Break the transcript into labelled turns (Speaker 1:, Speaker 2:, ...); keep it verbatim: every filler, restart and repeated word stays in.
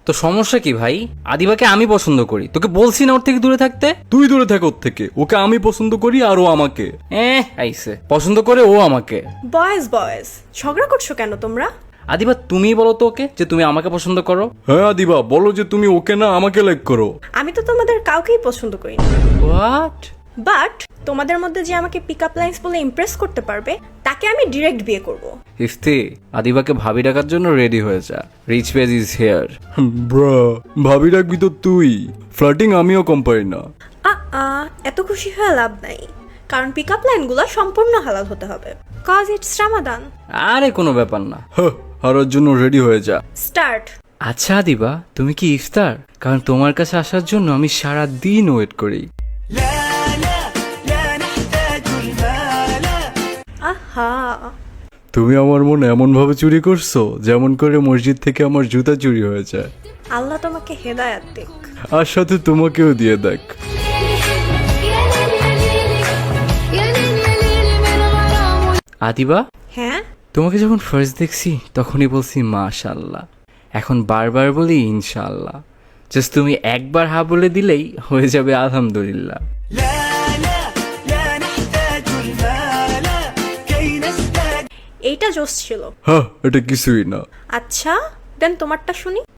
Speaker 1: তো সমস্যা কি ভাই? আদিবাকে আমি পছন্দ করি, তোকে বলছি না ওর থেকে দূরে থাকতে?
Speaker 2: তুই দূরে থাক ওর থেকে, ওকে আমি পছন্দ করি আর ও আমাকে।
Speaker 1: এ আইসে পছন্দ করে ও আমাকে।
Speaker 3: বয়েজ বয়েজ ঝগড়া করছো কেন তোমরা?
Speaker 1: আদিবা তুমি বলো তো ওকে যে তুমি আমাকে পছন্দ করো।
Speaker 2: হ্যাঁ আদিবা, বলো যে তুমি ওকে না আমাকে লাইক করো।
Speaker 3: আমি তো তোমাদের কাউকেই পছন্দ করি না,
Speaker 1: হোয়াট?
Speaker 3: বাট তোমাদের মধ্যে যে আমাকে পিক আপ লাইন্স বলে ইমপ্রেস করতে পারবে তাকে আমি ডিরেক্ট বিয়ে করব।
Speaker 1: ইফতি, আদিবাকে ভাবি ডাকার জন্য রেডি হয়ে যা। Rich page is here.
Speaker 2: ব্রা, ভাবি রাখবি তো তুই। ফ্লার্টিং আমিও কম পারি না।
Speaker 3: আ আ এত খুশি হয়ে লাভ নাই, কারণ পিক আপ লাইনগুলো সম্পূর্ণ হালাল হতে হবে, কজ ইটস রামাদান।
Speaker 1: আরে কোনো ব্যাপার না।
Speaker 2: হ্যাঁ, হারার জন্য রেডি হয়ে যা।
Speaker 3: স্টার্ট।
Speaker 1: আচ্ছা আদিবা, তুমি কি ইফতার? কারণ তোমার কাছে আসার জন্য আমি সারা দিন ওয়েট করি।
Speaker 3: আহা,
Speaker 2: তুমি আমার মন এমন ভাবে চুরি করছো যেমন করে মসজিদ থেকে আমার জুতা চুরি হয়ে যায়।
Speaker 3: আল্লাহ তোমাকে হেদায়াত দিক।
Speaker 2: আর সাথে তোমাকেও দিয়ে দেখ।
Speaker 1: আদিবা,
Speaker 3: হ্যাঁ,
Speaker 1: তোমাকে যখন ফার্স্ট দেখছি তখনই বলছি মাশাআল্লাহ, এখন বারবার বলি ইনশাআল্লাহ। জাস্ট তুমি একবার হা বলে দিলেই হয়ে যাবে আলহামদুলিল্লাহ।
Speaker 3: এইটা জোশ ছিল।
Speaker 2: হ্যাঁ, এটা কিছুই না।
Speaker 3: আচ্ছা দেন তোমারটা শুনি।